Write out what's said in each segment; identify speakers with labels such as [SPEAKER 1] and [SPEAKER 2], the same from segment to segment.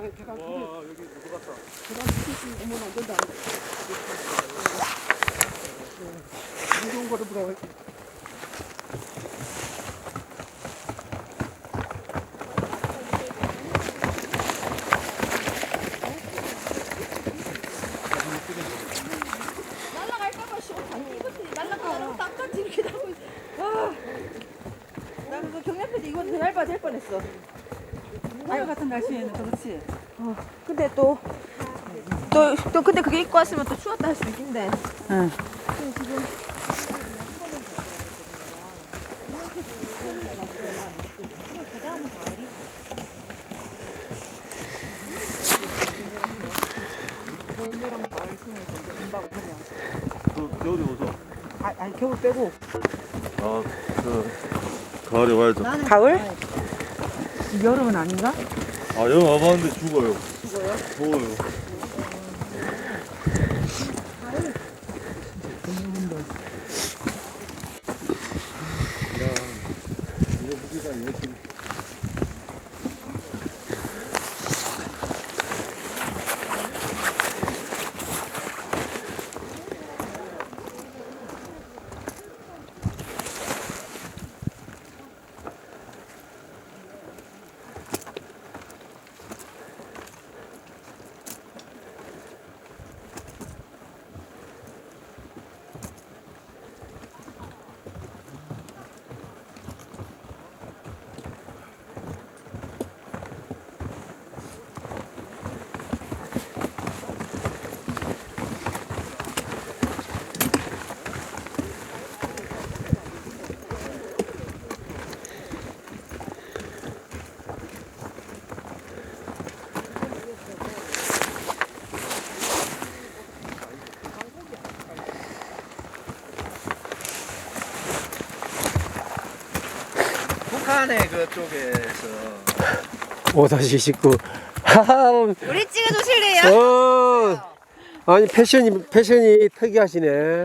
[SPEAKER 1] 계단 두 개.
[SPEAKER 2] 와 여기 누구 갔다.
[SPEAKER 1] 계단 두개 있으면 오면 안 된다. 무서운 거를 보라고.
[SPEAKER 3] 날라갈까봐 씨. 아니 이것들이 날라가라고 땅까지 이렇게 나오고 있어. 와. 나 그래서 경량패드 이거 얇아 될 뻔했어.
[SPEAKER 4] 오늘 같은 날씨에는 그렇지.
[SPEAKER 3] 근데 또 근데 그게 입고 왔으면 또 추웠다 할 수 있긴데.
[SPEAKER 4] 응.
[SPEAKER 2] 겨울이 오서.
[SPEAKER 4] 아니 겨울 빼고.
[SPEAKER 2] 가을에 와야죠.
[SPEAKER 3] 가을?
[SPEAKER 4] 여름은 아닌가?
[SPEAKER 2] 아 여기 와봤는데 죽어요. 죽어요? 더워요.
[SPEAKER 5] 북한의 그쪽에서
[SPEAKER 6] 5-19. 하하,
[SPEAKER 3] 우리 찍어주실래요?
[SPEAKER 6] 아니, 패션이 특이하시네.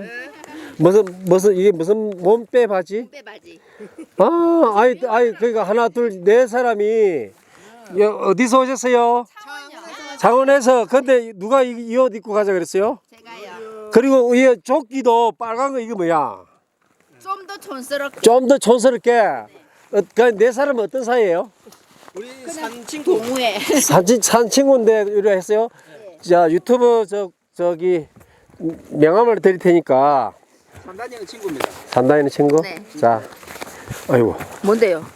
[SPEAKER 6] 이게 무슨 몸빼 바지?
[SPEAKER 3] 빼바지.
[SPEAKER 6] 그러니까 하나, 둘, 네 사람이, 어디서 오셨어요? 창원에서. 근데 누가 이 옷 입고 가자 그랬어요?
[SPEAKER 3] 제가요.
[SPEAKER 6] 그리고 이 조끼도 빨간 거, 이거 뭐야?
[SPEAKER 3] 좀 더 촌스럽게.
[SPEAKER 6] 좀 더 촌스럽게. 네 사람은 어떤 사이예요?
[SPEAKER 5] 우리 산 친구
[SPEAKER 3] 동우회.
[SPEAKER 6] 산 친구인데 이래 했어요. 자, 유튜브 저기 명함을 드릴 테니까
[SPEAKER 5] 산다니는 친구입니다.
[SPEAKER 6] 산다니는 친구.
[SPEAKER 3] 네.
[SPEAKER 6] 자, 아이고
[SPEAKER 3] 뭔데요?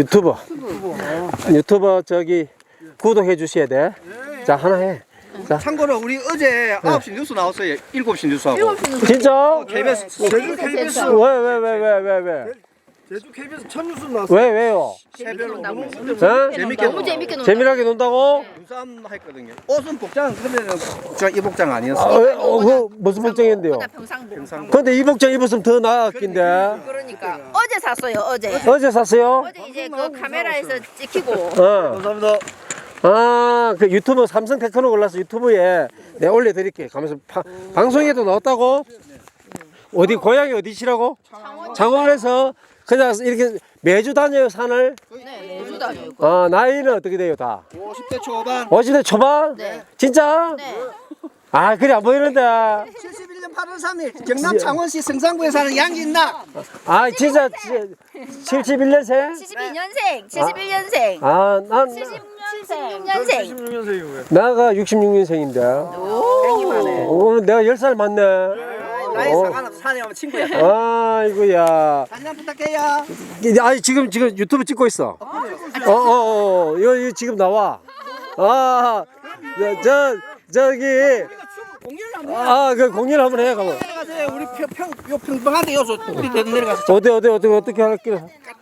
[SPEAKER 6] 유튜버 저기 구독해 주셔야 돼. 자, 하나 해. 자,
[SPEAKER 5] 참고로 우리 어제 9시 뉴스 나왔어요. 7시 뉴스하고.
[SPEAKER 3] 7시는
[SPEAKER 6] 진짜?
[SPEAKER 5] KBS
[SPEAKER 1] 제주 KBS.
[SPEAKER 6] 왜?
[SPEAKER 1] 제주 KBS 첫 뉴스 나왔어.
[SPEAKER 6] 왜요?
[SPEAKER 5] 새별로
[SPEAKER 3] 너무
[SPEAKER 5] 재밌게
[SPEAKER 3] 너무 재밌게 논다.
[SPEAKER 6] 재미나게 논다고?
[SPEAKER 5] 눈싸움 했거든요. 옷은 복장 그러면 저이 복장
[SPEAKER 6] 아,
[SPEAKER 5] 아니었어요.
[SPEAKER 6] 그 무슨 복장인데요?
[SPEAKER 3] 평상복.
[SPEAKER 6] 근데 이 복장 입었으면 더 나았긴데.
[SPEAKER 3] 그러니까 어제 샀어요. 어제.
[SPEAKER 6] 어제 샀어요?
[SPEAKER 3] 어제 이제 그 카메라에서 찍히고.
[SPEAKER 5] 감사합니다.
[SPEAKER 6] 그 유튜브 삼성 테크노 골라서 유튜브에 내가 올려드릴게. 가면서 방송에도 나왔다고? 어디 고향이 어디시라고? 창원에서 그냥 이렇게 매주 다녀요 산을?
[SPEAKER 3] 네, 매주 다녀요.
[SPEAKER 6] 나이는 어떻게 돼요 다?
[SPEAKER 5] 50대 초반.
[SPEAKER 6] 50대 초반?
[SPEAKER 3] 네.
[SPEAKER 6] 진짜?
[SPEAKER 3] 네.
[SPEAKER 6] 그래 안 보이는데.
[SPEAKER 5] 71년 8월 3일 경남 창원시 성산구에 사는 양진나.
[SPEAKER 6] 진짜 71년생?
[SPEAKER 3] 72년생, 71년생.
[SPEAKER 6] 난
[SPEAKER 3] 76년생.
[SPEAKER 2] 16년생이고요.
[SPEAKER 6] 나가 66년생인데.
[SPEAKER 3] 오.
[SPEAKER 6] 내가 10살 많네.
[SPEAKER 5] 나이 상관없어. 산에 오면 친구야.
[SPEAKER 6] 아이고야.
[SPEAKER 5] 사진 한 부탁해요.
[SPEAKER 6] 지금 유튜브 찍고 있어. 이거 지금 나와. 저기. 그 공연 한번 해, 가면.
[SPEAKER 5] 내려가세요. 우리 평범한데 여기서 우리 대전 내려가서
[SPEAKER 6] 어떻게 할게.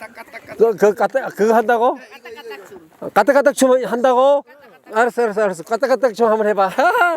[SPEAKER 6] 그거 한다고? 까딱까딱 춤 한다고? 알았어. 까딱까딱 춤 한번 해봐.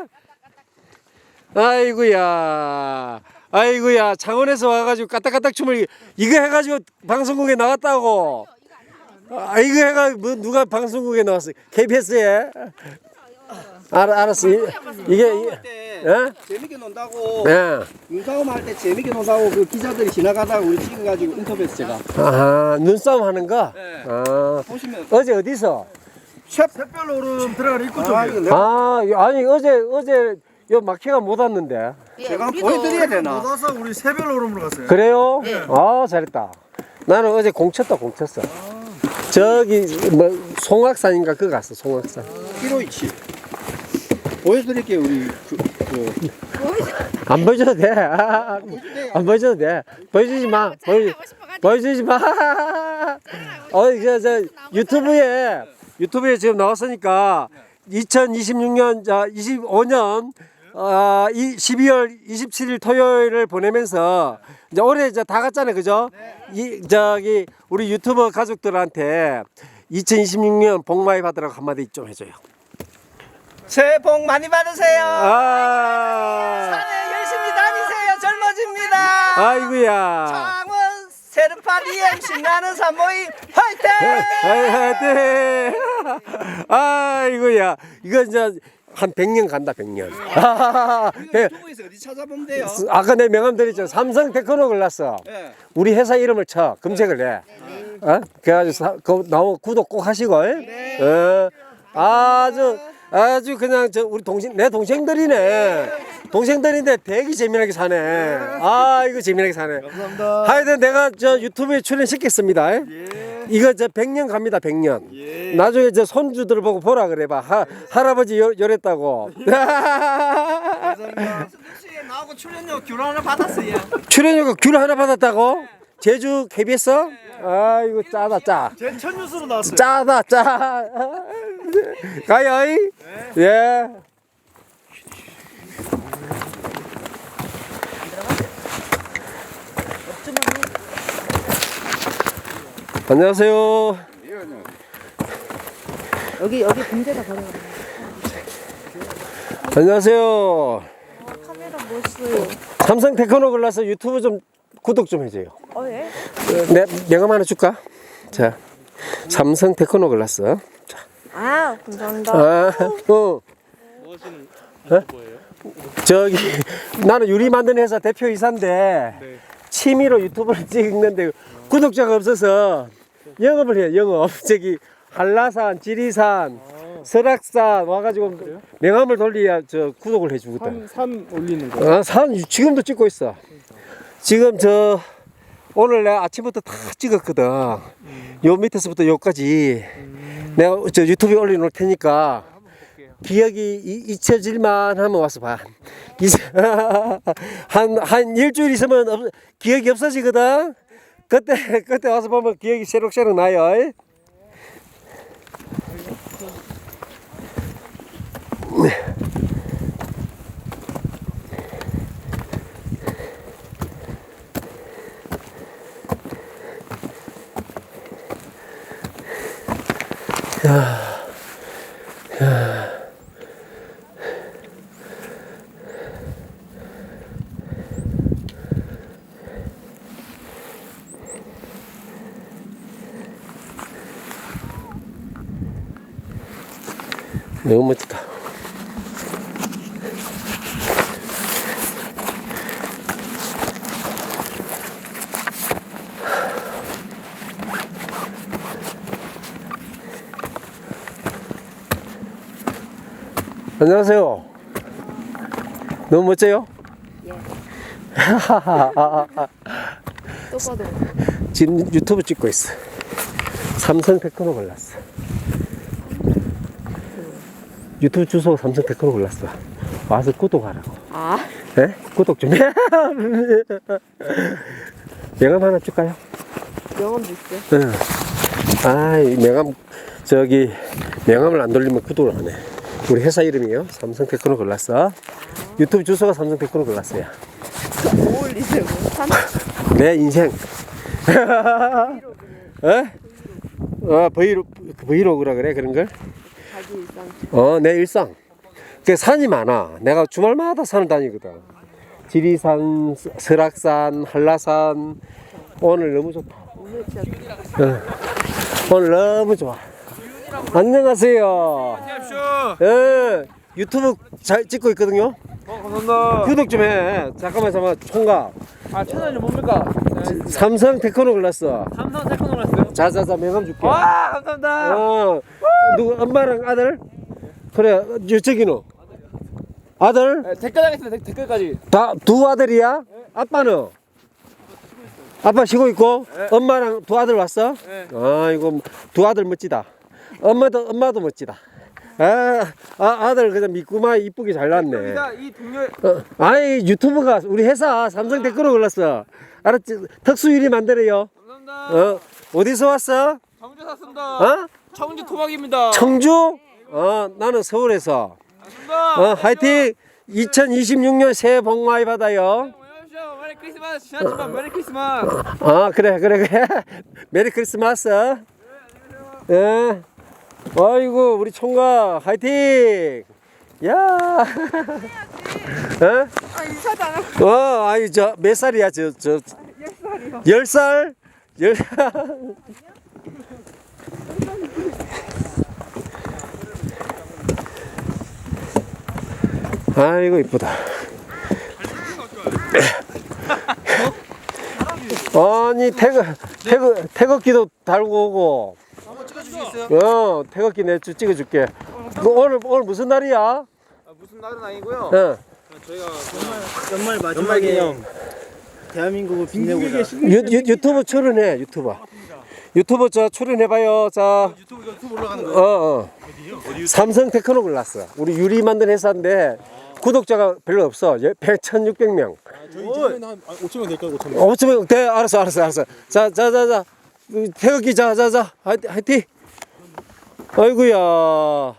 [SPEAKER 6] 아이고야. 창원에서 와가지고 까딱까딱 춤을 이거 해가지고 방송국에 나왔다고. 이거 해가지고 누가 방송국에 나왔어? KBS에? 알았어. 이게
[SPEAKER 5] 재밌게 논다고.
[SPEAKER 6] 예.
[SPEAKER 5] 눈싸움 할 때 재밌게 논다고 그 기자들이 지나가다가 우리 찍어가지고 인터뷰했어 제가.
[SPEAKER 6] 눈싸움 하는 거?
[SPEAKER 5] 네.
[SPEAKER 6] 아,
[SPEAKER 5] 보시면
[SPEAKER 6] 어제 어디서?
[SPEAKER 1] 샛별 오름 들어가는 입구 쪽이에요.
[SPEAKER 6] 아니 어제 요 마키가 못 왔는데.
[SPEAKER 5] 제가 한번 보여드려야 되나?
[SPEAKER 1] 못 와서 우리 새별 오름으로 갔어요.
[SPEAKER 6] 그래요? 아 잘했다. 나는 어제 공쳤다. 저기 뭐 송악산인가 그거 갔어. 송악산.
[SPEAKER 5] 기로이치. 보여드릴게요 우리
[SPEAKER 6] 안 보여줘도 돼. 안 보여줘도 돼. 보여주지 마. 보여주지 마. 저 유튜브에 지금 나왔으니까 2026년 25년 12월 27일 토요일을 보내면서 이제 올해 이제 다 갔잖아요, 그죠? 저기 우리 유튜버 가족들한테 2026년 복 많이 받으라고 한마디 좀 해줘요.
[SPEAKER 5] 새해 복 많이 받으세요.
[SPEAKER 6] 아,
[SPEAKER 5] 산에 열심히 다니세요. 젊어집니다.
[SPEAKER 6] 아이고야.
[SPEAKER 5] 창원 세르파 DM 신나는 산모임 화이팅!
[SPEAKER 6] 하여튼 아이고야. 이거 이제 한 100년 간다. 100년.
[SPEAKER 5] 유튜브에서 어디 찾아보면 돼요?
[SPEAKER 6] 아까 내 명함 드렸죠. 삼성 테크노 골랐어.
[SPEAKER 5] 네.
[SPEAKER 6] 우리 회사 이름을 쳐 검색을 해. 어? 그래가지고 나오 구독 꼭 하시고. 아주 그냥 우리 내 동생들이네. 동생들인데 되게 재미나게 사네. 아 이거 재미나게 사네.
[SPEAKER 1] 감사합니다.
[SPEAKER 6] 하여튼 내가 저 유튜브에 출연시켰습니다. 이거 100년 갑니다. 100년. 나중에 손주들 보고 보라 그래봐. 할아버지 요랬다고.
[SPEAKER 5] 감사합니다. 나하고 출연료 귤 하나 받았어요.
[SPEAKER 6] 출연료가 귤 하나 받았다고? 제주 KBS? 아이고 짜다 짜.
[SPEAKER 1] 제 첫 뉴스로 나왔어요.
[SPEAKER 6] 짜다 짜. 가요. 예. 안녕하세요.
[SPEAKER 4] 여기 군대가 가는 거.
[SPEAKER 6] 안녕하세요.
[SPEAKER 3] 카메라 뭐 써요?
[SPEAKER 6] 삼성 테크노 골라서 유튜브 좀 구독 좀 해줘요.
[SPEAKER 3] 예?
[SPEAKER 6] 명함 하나 줄까? 자, 삼성 테크노 골랐어.
[SPEAKER 3] 아, 감사합니다.
[SPEAKER 6] 뭐 하시는 거예요? 저기 나는 유리 만드는 회사 대표이사인데 취미로 유튜브를 찍는데 구독자가 없어서 영업을 해요. 영업. 저기 한라산, 지리산, 설악산 와가지고 명함을 돌려야 저 구독을 해주거든.
[SPEAKER 1] 산 올리는 거.
[SPEAKER 6] 산 지금도 찍고 있어. 지금 오늘 내가 아침부터 다 찍었거든. 요 밑에서부터 여기까지 내가 저 유튜브에 올려놓을 테니까 기억이 잊혀질만 하면 와서 봐. 한 일주일 있으면 기억이 없어지거든. 그때 와서 보면 기억이 새록새록 나요. 너무 멋지다. 안녕하세요. 너무 멋져요?
[SPEAKER 3] 또 봐도.
[SPEAKER 6] 지금 유튜브 찍고 있어. 삼성 테크노 골랐어. 유튜브 주소 삼성 테크노 골랐어. 와서 구독하라고.
[SPEAKER 3] 아,
[SPEAKER 6] 네? 구독 좀 해. 명함 하나 줄까요?
[SPEAKER 3] 명함도 있어요?
[SPEAKER 6] 응. 아이 명함 명함을 안 돌리면 구독을 안 해. 우리 회사 이름이요. 삼성 테크노 골랐어. 유튜브 주소가 삼성 테크노 골랐어요.
[SPEAKER 3] 뭐 올리세요?
[SPEAKER 6] 내 인생. 브이로그라 그래 그런 걸?
[SPEAKER 3] 자기 일상.
[SPEAKER 6] 내 일상. 그 산이 많아. 내가 주말마다 산을 다니거든. 지리산, 설악산, 한라산. 오늘 너무 좋다.
[SPEAKER 3] 오늘 진짜
[SPEAKER 6] 오늘 너무 좋아. 안녕하세요. 예, 유튜브 잘 찍고 있거든요.
[SPEAKER 1] 감사합니다.
[SPEAKER 6] 구독 좀 해. 잠깐만 총각.
[SPEAKER 1] 채널이 뭡니까?
[SPEAKER 6] 삼성 테크노 골랐어.
[SPEAKER 1] 삼성 테크노 났어요.
[SPEAKER 6] 자자자 명함 줄게.
[SPEAKER 1] 와, 감사합니다.
[SPEAKER 6] 누구 엄마랑 아들? 그래 저기는 아들?
[SPEAKER 1] 댓글 하겠습니다. 댓글까지.
[SPEAKER 6] 다 두 아들이야? 아빠는? 아빠 쉬고 있고 엄마랑 두 아들 왔어? 아이고 두 아들 멋지다. 엄마도 멋지다. 아들 그냥 믿고만 이쁘게 잘 났네.
[SPEAKER 1] 이 동료
[SPEAKER 6] 아이 유튜브가 우리 회사 삼성 댓글로 골랐어. 알았지? 특수유리 만들어요.
[SPEAKER 1] 감사합니다.
[SPEAKER 6] 어디서 왔어?
[SPEAKER 1] 청주 샀습니다.
[SPEAKER 6] 어?
[SPEAKER 1] 청주 토박입니다.
[SPEAKER 6] 청주? 나는 서울에서.
[SPEAKER 1] 감사합니다.
[SPEAKER 6] 화이팅! 2026년 새해 복 많이 받아요.
[SPEAKER 1] 안녕하세요. 메리 크리스마스. 지났지만 메리 크리스마스.
[SPEAKER 6] 그래. 메리 크리스마스. 예. 아이고, 우리 총각, 화이팅! 야!
[SPEAKER 4] 인사도 안 하고.
[SPEAKER 6] 아이, 몇 살이야,
[SPEAKER 4] 10살이요.
[SPEAKER 6] 10살? 10살? 아이고, 이쁘다. 아니, 태극기도 달고 오고.
[SPEAKER 1] 한번 찍어주시겠어요?
[SPEAKER 6] 태극기 내 찍어줄게. 오늘 무슨 날이야?
[SPEAKER 1] 무슨 날은 아니고요. 저희가
[SPEAKER 2] 연말 마지막 기념 대한민국을 빛내고자.
[SPEAKER 6] 유튜브 출연해, 유튜브 출연해봐요. 자.
[SPEAKER 2] 유튜브 올라가는 거예요?
[SPEAKER 6] 삼성 테크노 골랐어. 우리 유리 만든 회사인데 구독자가 별로 없어. 1,600명.
[SPEAKER 2] 저희 이제는 한 5천명 될까요? 5천명.
[SPEAKER 6] 5,000명 돼. 알았어. 자. 태극기 화이팅. 아이고야.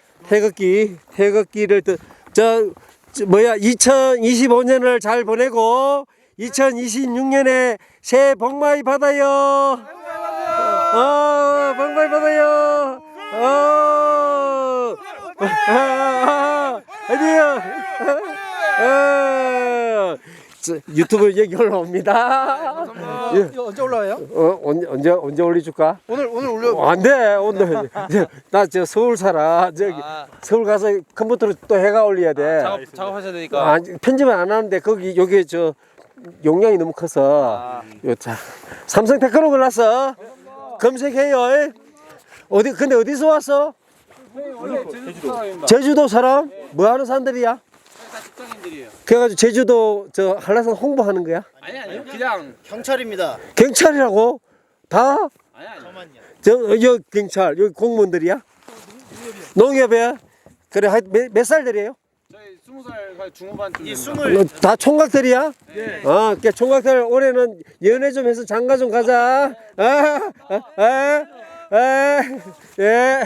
[SPEAKER 6] 태극기를 2025년을 잘 보내고 2026년에 새해 복 많이 받아요. 복 많이 받아요. 어디요? 유튜브 얘기 올라옵니다.
[SPEAKER 1] 이거 언제 올라와요?
[SPEAKER 6] 언제 올려줄까?
[SPEAKER 1] 오늘 올려.
[SPEAKER 6] 안 돼. 오늘 나 서울 살아. 서울 가서 컴퓨터로 또 해가 올려야 돼.
[SPEAKER 1] 작업하셔야 되니까.
[SPEAKER 6] 편집은 안 하는데 여기 용량이 너무 커서. 자, 삼성 테크노 골랐어. 검색해요. 근데 어디서 왔어?
[SPEAKER 1] 제주도 사람입니다.
[SPEAKER 6] 제주도 사람? 뭐 하는 사람들이야?
[SPEAKER 1] 다 직장인들이에요.
[SPEAKER 6] 그래가지고 제주도 한라산 홍보하는 거야?
[SPEAKER 1] 아니요. 그냥
[SPEAKER 2] 경찰입니다.
[SPEAKER 6] 경찰이라고? 다?
[SPEAKER 1] 아니요.
[SPEAKER 6] 여기 경찰, 여기 공무원들이야? 농협이야? 그래, 몇 살들이에요?
[SPEAKER 1] 저희 20살 중후반쯤.
[SPEAKER 2] 이
[SPEAKER 1] 됩니다.
[SPEAKER 2] 스물
[SPEAKER 6] 다 총각들이야?
[SPEAKER 1] 네.
[SPEAKER 6] 그러니까 총각들 올해는 연애 좀 해서 장가 좀 가자. 예.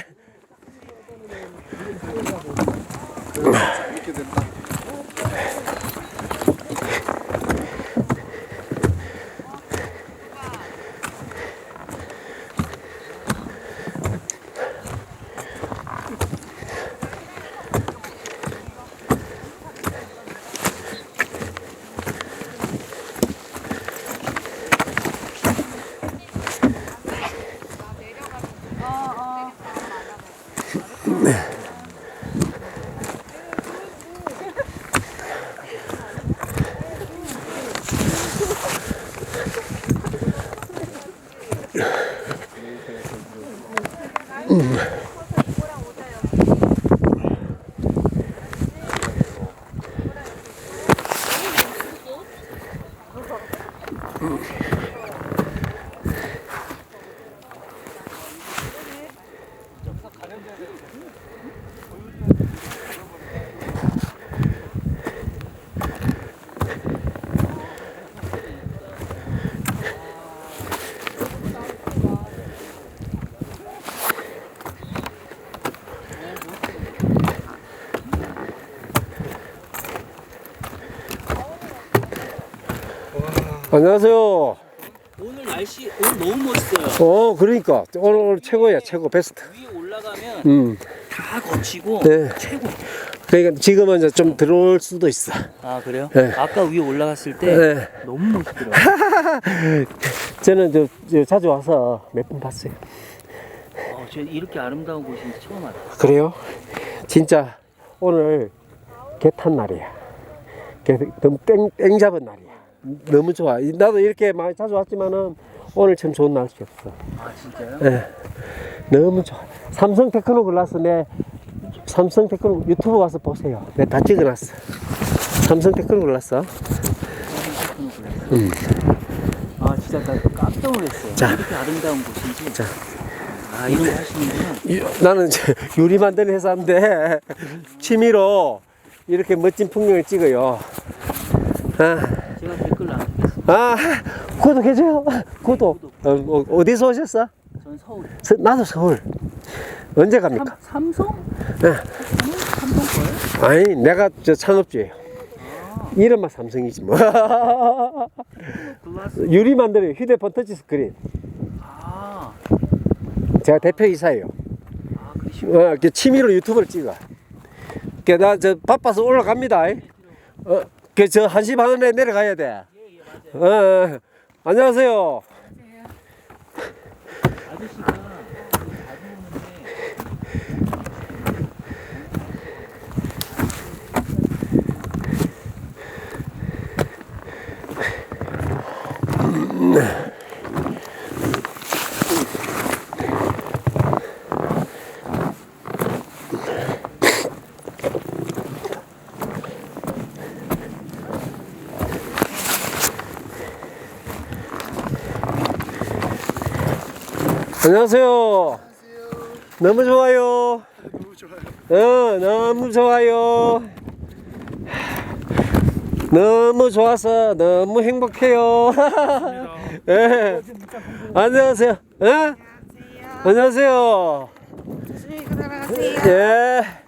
[SPEAKER 6] 안녕하세요.
[SPEAKER 7] 오늘 날씨 오늘 너무 멋있어요.
[SPEAKER 6] 그러니까 오늘 최고야, 최고 베스트.
[SPEAKER 7] 위에 올라가면 다 거치고
[SPEAKER 6] 네.
[SPEAKER 7] 최고.
[SPEAKER 6] 그러니까 지금은 이제 좀 들어올 수도 있어.
[SPEAKER 7] 아 그래요?
[SPEAKER 6] 네.
[SPEAKER 7] 아까 위에 올라갔을 때
[SPEAKER 6] 네.
[SPEAKER 7] 너무 멋있더라고요.
[SPEAKER 6] 저는 자주 와서 몇 번 봤어요.
[SPEAKER 7] 저 이렇게 아름다운 곳인지 처음 알아요.
[SPEAKER 6] 그래요? 진짜 오늘 개 탄 날이야. 땡 잡은 날이야. 너무 좋아. 나도 이렇게 많이 자주 왔지만은 오늘 참 좋은 날씨였어.
[SPEAKER 7] 아 진짜요?
[SPEAKER 6] 예. 너무 좋아. 삼성 테크노 글라스 내 삼성 테크노 유튜브 와서 보세요. 내가 다 찍어놨어. 삼성 테크노 글라스.
[SPEAKER 7] 아 진짜 나 깜짝 놀랐어요.
[SPEAKER 6] 자.
[SPEAKER 7] 이렇게 아름다운 곳인지.
[SPEAKER 6] 자.
[SPEAKER 7] 아 이런 거 하시는구나.
[SPEAKER 6] 나는 이제 유리 만드는 회사인데 취미로 이렇게 멋진 풍경을 찍어요. 아,
[SPEAKER 7] 제가 댓글 남기겠습니다.
[SPEAKER 6] 아 구독해줘요. 구독. 어디서 오셨어?
[SPEAKER 7] 전 서울.
[SPEAKER 6] 나도 서울. 언제 갑니까?
[SPEAKER 7] 삼성?
[SPEAKER 6] 네.
[SPEAKER 7] 삼성 거예요?
[SPEAKER 6] 아니 내가 저 창업주예요. 이름만 삼성이지 뭐.
[SPEAKER 7] 글라스.
[SPEAKER 6] 유리 만드는 휴대폰 터치스크린.
[SPEAKER 7] 아,
[SPEAKER 6] 제가 대표이사예요.
[SPEAKER 7] 그러시구나.
[SPEAKER 6] 취미로 유튜브를 찍어. 나 저 바빠서 올라갑니다. 저 1시 반에 내려가야 돼. 안녕하세요.
[SPEAKER 7] 아저씨가 자주 오는데
[SPEAKER 6] 안녕하세요. 너무 좋아요. 너무 좋아요. 너무 좋아서 너무 행복해요. 예. 안녕하세요. 예? 안녕하세요.
[SPEAKER 4] 조심히 들어가세요.
[SPEAKER 6] 예.